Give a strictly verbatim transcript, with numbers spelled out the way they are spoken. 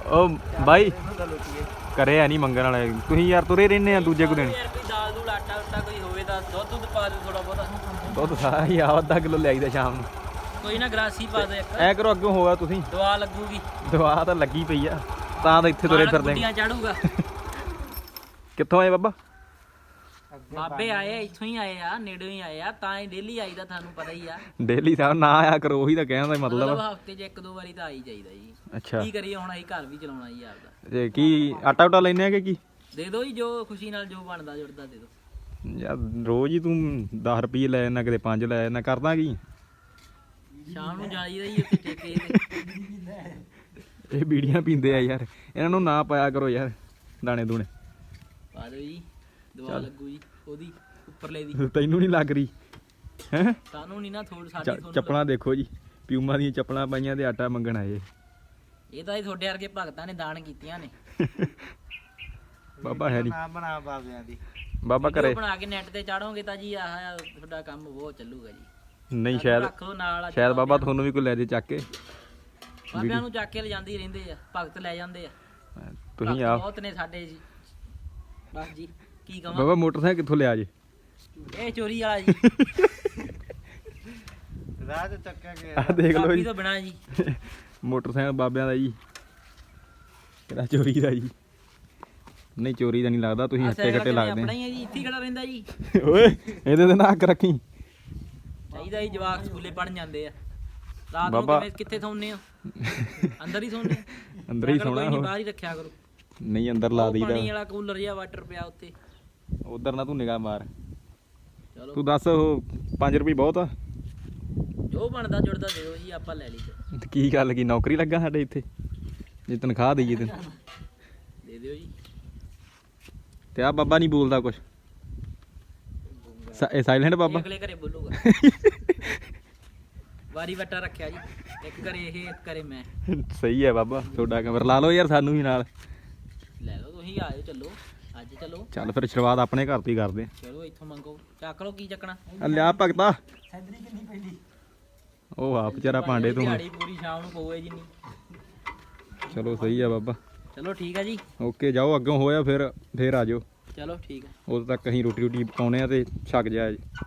ਉਹ ਬਾਈ ਕਰੇ ਆ ਨਹੀਂ ਮੰਗਣ ਵਾਲੇ ਤੁਸੀਂ ਯਾਰ ਤੁਰੇ ਰਹਿੰਦੇ ਆ ਦੂਜੇ ਕੋ ਦਿਨ ਦਾਲ ਦੂਲ ਆਟਾ ਉਟਾ ਕੋਈ ਹੋਵੇ ਤਾਂ ਦੁੱਧ ਦੁੱਧ ਪਾ ਦਿਓ ਥੋੜਾ ਬਹੁਤਾ ਦੁੱਧ ਸਾਰਾ ਹੀ ਆ ਅੱਧਾ ਕਿਲੋ ਲਿਆਈਦਾ ਸ਼ਾਮ ਨੂੰ ਕੋਈ ਨਾ ਗਰਾਸੀ ਪਾ ਦੇ ਇੱਕ ਐ ਕਰੋ ਅੱਗੋਂ ਹੋਇਆ ਤੁਸੀਂ ਦਵਾ ਲੱਗੂਗੀ ਦਵਾ ਤਾਂ ਲੱਗੀ ਪਈ ਆ ਤਾਂ ਤਾਂ ਇੱਥੇ ਤੁਰੇ ਫਿਰਦੇ ਗੁੱਡੀਆਂ ਚਾੜੂਗਾ ਕਿੱਥੋਂ ਆਏ ਬਾਬਾ ਬਾਬੇ ਆਏ ਇੱਥੋਂ ਹੀ ਆਏ ਆ ਨੇੜੇ ਹੀ ਆਏ ਆ ਤਾਂ ਹੀ ਡੇਲੀ ਆਈਦਾ ਤੁਹਾਨੂੰ ਪਤਾ ਹੀ ਆ ਡੇਲੀ ਸਾਹਿਬ ਨਾ ਆਇਆ ਕਰੋ ਉਹੀ ਤਾਂ ਕਹਿਣ ਦਾ ਮਤਲਬ ਮਤਲਬ ਹਫਤੇ 'ਚ ਇੱਕ ਦੋ ਵਾਰੀ ਤਾਂ ਆ ਹੀ ਜਾਈਦਾ ਜੀ ਅੱਛਾ ਕੀ ਕਰੀਏ ਹੁਣ ਅਸੀਂ ਘਰ ਵੀ ਚਲਾਉਣਾ ਜੀ ਆਪਦਾ ਤੇ ਕੀ ਆਟਾ ਉਟਾ ਲੈਨੇ ਆ ਕਿ ਕੀ ਦੇ ਦਿਓ ਜੀ ਜੋ ਖੁਸ਼ੀ ਨਾਲ ਜੋ ਬਣਦਾ ਜੁੜਦਾ ਦੇ ਦਿਓ ਯਾਰ ਰੋਜ਼ ਹੀ ਤੂੰ ਦਸ ਰੁਪਏ ਲੈ ਜਾਂਦਾ ਕਿਤੇ ਪੰਜ ਲੈ ਜਾਂਦਾ ਕਰਦਾ ਕੀ ਸ਼ਾਮ ਨੂੰ ਜਾਈਦਾ ਜੀ ਉੱਥੇ ਠੇਕੇ ਤੇ ਇਹ ਬੀੜੀਆਂ ਪੀਂਦੇ ਆ ਯਾਰ ਇਹਨਾਂ ਨੂੰ ਨਾ ਪਾਇਆ ਕਰੋ ਯਾਰ ਦਾਣੇ ਦੂਣੇ ਪਾ ਦਿਓ ਜੀ ਦਵਾ ਲੱਗੂ ਜੀ ਉਹਦੀ ਉੱਪਰਲੇ ਦੀ ਤੈਨੂੰ ਨਹੀਂ ਲੱਗ ਰਹੀ ਹੈ ਸਾਨੂੰ ਨਹੀਂ ਨਾ ਥੋੜੀ ਸਾਡੀ ਤੁਹਾਨੂੰ ਚੱਪਲਾਂ ਦੇਖੋ ਜੀ ਪਿਊਮਾ ਦੀਆਂ ਚੱਪਲਾਂ ਪਾਈਆਂ ਤੇ ਆਟਾ ਮੰਗਣ ਆਏ ਇਹ ਤਾਂ ਜੀ ਤੁਹਾਡੇ ਵਰਗੇ ਭਗਤਾਂ ਨੇ ਦਾਨ ਕੀਤੀਆਂ ਨੇ ਬਾਬਾ ਹੈ ਨਹੀਂ ਨਾ ਬਣਾ ਬਾਬਿਆਂ ਦੀ ਬਾਬਾ ਵੀਡੀਓ ਘਰੇ ਬਣਾ ਕੇ ਨੈਟ ਤੇ ਚਾੜੋਗੇ ਤਾਂ ਜੀ ਆਹ ਤੁਹਾਡਾ ਕੰਮ ਬਹੁਤ ਚੱਲੂਗਾ ਜੀ ਨਹੀਂ ਸ਼ਾਇਦ ਰੱਖ ਲਓ ਨਾਲ ਅੱਜ ਸ਼ਾਇਦ ਬਾਬਾ ਤੁਹਾਨੂੰ ਵੀ ਕੋਈ ਲੈ ਜੇ ਚੱਕ ਕੇ ਬਾਬਿਆਂ ਨੂੰ ਚੱਕ ਕੇ ਲਿਜਾਂਦੇ ਹੀ ਰਹਿੰਦੇ ਆ ਭਗਤ ਲੈ ਜਾਂਦੇ ਆ ਤੁਸੀਂ ਭਗਤ ਆ ਬਹੁਤ ਨੇ ਸਾਡੇ ਜੀ ਬਸ ਜੀ ਕੀ ਕਹਾਂ ਬਾਬਾ ਮੋਟਰਸਾਈਕਲ ਕਿੱਥੋਂ ਲਿਆ ਜੇ ਇਹ ਚੋਰੀ ਵਾਲਾ ਜੀ ਰਾਹ ਤੇ ਚੱਕਿਆ ਗਿਆ ਆ ਦੇਖ ਲਓ ਕਾਪੀ ਜੀ ਤੋਂ ਬਿਨਾਂ ਜੀ ਮੋਟਰਸਾਈਕਲ ਬਾਬਿਆਂ ਦਾ ਜੀ ਕਿਹੜਾ ਚੋਰੀ ਦਾ ਜੀ ਨਹੀਂ ਚੋਰੀ ਦਾ ਨਹੀਂ ਲੱਗਦਾ ਤੁਸੀਂ ਹੱਟੇ ਘੱਟੇ ਲੱਗਦੇ ਆਪਣਾ ਹੀ ਹੈ ਜੀ ਇੱਥੇ ਹੀ ਖੜਾ ਰਹਿੰਦਾ ਜੀ ਓਏ ਇਹਦੇ ਤੇ ਨਾ ਅੱਖ ਰੱਖੀ ਚਾਹੀਦਾ ਜੀ ਜਵਾਕ ਸਕੂਲੇ ਪੜਨ ਜਾਂਦੇ ਆ ਰਾਤ ਨੂੰ ਬਾਬਾ- ਕਿਵੇਂ ਕਿੱਥੇ ਸੌਂਦੇ ਹੋ ਅੰਦਰ ਹੀ ਸੌਂਦੇ ਅੰਦਰ ਹੀ ਸੌਣਾ ਨਹੀਂ ਉਹ। ਬਾਹਰ ਹੀ ਰੱਖਿਆ ਕਰੋ ਨਹੀਂ ਅੰਦਰ ਲਾ ਉਹ ਪਾਣੀ ਦਈਦਾ ਵਾਲਾ ਕੂਲਰ ਜਿਹਾ ਵਾਟਰ ਪਿਆ ਉੱਤੇ ਉਧਰ ਨਾ ਤੂੰ ਨਿਗਾਹ ਮਾਰ ਚਲੋ ਤੂੰ ਦੱਸ ਉਹ ਪੰਜ ਰੁਪਏ ਬਹੁਤ ਆ ਜੋ ਬਣਦਾ ਜੁੜਦਾ ਦਿਓ ਜੀ ਆਪਾਂ ਲੈ ਲਈ ਤੇ ਕੀ ਗੱਲ ਕੀ ਨੌਕਰੀ ਲੱਗਾ ਸਾਡੇ ਇੱਥੇ ਜੇ ਤਨਖਾਹ ਦਈਏ ਤੈਨੂੰ ਦੇ ਦਿਓ ਜੀ ਤੇ ਆ ਬਾਬਾ ਨਹੀਂ ਬੋਲਦਾ ਕੁਛ ਇਹ ਸਾਇਲੈਂਟ ਬਾਬਾ ਅਗਲੇ ਘਰੇ ਬੋਲੂਗਾ ਵਾਰੀ ਵਟਾ ਰੱਖਿਆ ਜੀ ਇੱਕ ਘਰੇ ਇਹ ਇੱਕ ਘਰੇ ਮੈਂ ਸਹੀ ਹੈ ਬਾਬਾ ਤੁਹਾਡਾ ਕਮਰ ਲਾ ਲਓ ਯਾਰ ਸਾਨੂੰ ਵੀ ਨਾਲ ਲੈ ਲਓ ਤੁਸੀਂ ਆਇਓ ਚੱਲੋ ਅੱਜ ਚੱਲੋ ਚੱਲ ਫਿਰ ਸ਼ੁਰੂਆਤ ਆਪਣੇ ਘਰ ਤੋਂ ਹੀ ਕਰਦੇ ਚਲੋ ਇੱਥੋਂ ਮੰਗੋ ਚੱਕ ਲਓ ਕੀ ਚੱਕਣਾ ਆ ਲਿਆ ਭਗਤਾ ਸੈਦਰੀ ਕਿੰਨੀ ਪੈਂਦੀ ਉਹ ਆ ਵਿਚਾਰਾ ਭਾਂਡੇ ਤੋਂ ਦਿਹਾੜੀ ਪੂਰੀ ਸ਼ਾਮ ਨੂੰ ਪਊਏ ਜਿੰਨੀ ਚਲੋ ਸਹੀ ਆ ਬਾਬਾ ਚਲੋ ਠੀਕ ਆ ਜੀ ਓਕੇ ਜਾਓ ਅੱਗੋਂ ਹੋਇਆ ਫਿਰ ਫਿਰ ਆ ਜਾਓ ਚਲੋ ਠੀਕ ਆ ਉਦੋਂ ਤੱਕ ਅਸੀਂ ਰੋਟੀ ਰੋਟੀ ਪਕਾਉਣੇ ਆ ਤੇ ਛਕ ਜਾਇਆ ਜੀ